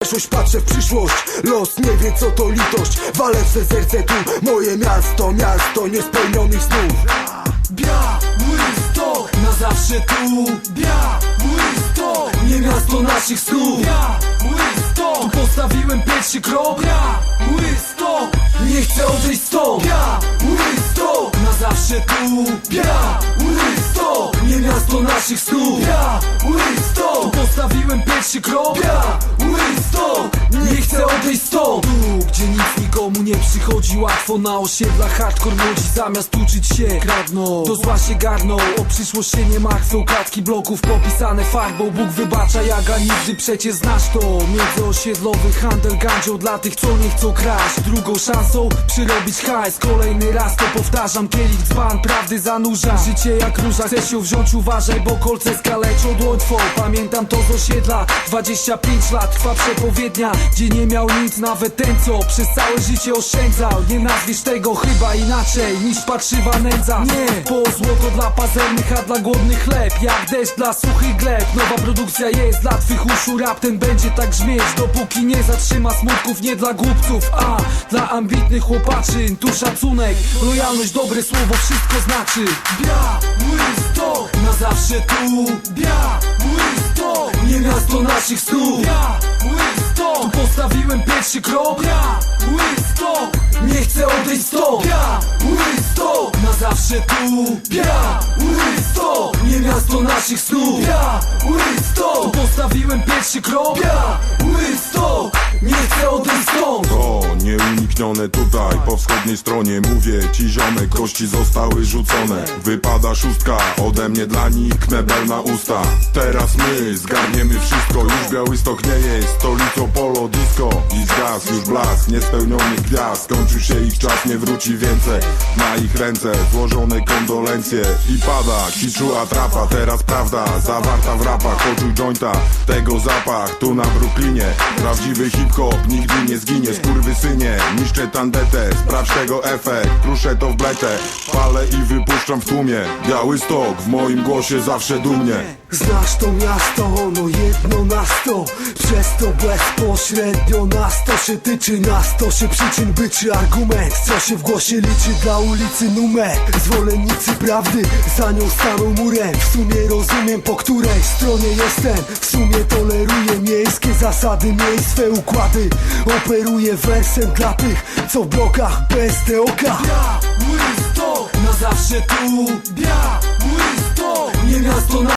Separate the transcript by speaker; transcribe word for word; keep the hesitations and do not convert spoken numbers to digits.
Speaker 1: przeszłość, patrzę w przyszłość. Los nie wie co to litość. Walę w se serce tu, moje miasto, miasto niespełnionych snów.
Speaker 2: Białystok, na zawsze tu. Białystok, nie miasto naszych snów. Białystok, tu postawiłem pierwszy krok. Białystok, nie chcę odejść stąd. Białystok, na zawsze tu. Białystok, nie miasto naszych snów. Białystok, tu postawiłem pierwszy krok. Białystok, nie chcę odejść stąd. Tu, gdzie nic nikomu nie przychodzi łatwo, na osiedlach hardcore młodzi zamiast uczyć się kradną, do zła się garną. O przyszłość się nie martwią, klatki bloków popisane farbą. Bóg wybacza, jaga nigdy przecież znasz to. Międzyosiedlowy handel gandzią dla tych co nie chcą kraść. Drugą szansą przyrobić hajs, kolejny raz to powtarzam. Kielich dzban, prawdy zanurza, życie jak róża. Chcesz ją wziąć, uważaj, bo kolce skaleczą dłoń twą. Pamiętam to z osiedla, dwadzieścia pięć lat trwa przepowiednia, gdzie nie miał nic nawet ten co przez całe życie oszczędzał. Nie nazwiesz tego chyba inaczej niż patrzywa nędza. Nie, po złoto dla pazernych, a dla głodnych chleb. Jak deszcz dla suchych gleb. Nowa produkcja jest dla twych uszu, rap ten będzie tak brzmieć, dopóki nie zatrzyma smutków. Nie dla głupców, a dla ambitnych chłopaczyn. Tu szacunek, lojalność, dobre słowo wszystko znaczy. Białystok, na zawsze tu. Białystok, nie miasto naszych snów. Białystok, tu postawiłem pierwszy krok. Białystok, nie chcę odejść stąd. Białystok, na zawsze tu. Białystok, nie miasto naszych snów. Białystok, tu postawiłem pierwszy krok. Białystok, nie chcę odejść stąd.
Speaker 3: To nieuniknione tutaj, po wschodniej stronie. Mówię ci ziomek, kości zostały rzucone. Wypada szóstka, ode mnie dla nich knebel na usta. Teraz my zgarniemy wszystko. Już Białystok nie jest stolicą polo disco. I zgasł już blask niespełnionych gwiazd. Skończył się ich czas, nie wróci więcej. Na ich ręce złożone kondolencje. I pada kiczu atrapa, teraz prawda zawarta w rapach. Poczuj jointa, tego zapach tu na Brooklynie. Prawdziwy hip-hop nigdy nie zginie. Skurwysynie, niszczę tandetę, sprawdź tego efekt. Kruszę to w bletę, palę i wypuszczam w tłumie. Białystok w moim głosie zawsze dumnie.
Speaker 1: Znasz to miasto, ono jedno na sto. Przez to bezpośrednio nas to się tyczy. Nas to się przyczyn byczy argument, co się w głosie liczy dla ulicy numer. Zwolennicy prawdy za nią staną murem. W sumie rozumiem po której stronie jestem. W sumie toleruję miejskie zasady, miejsc swe układy. Operuję wersem dla tych co w blokach bez te oka.
Speaker 2: Białystok, na zawsze tu. Białystok, nie miasto na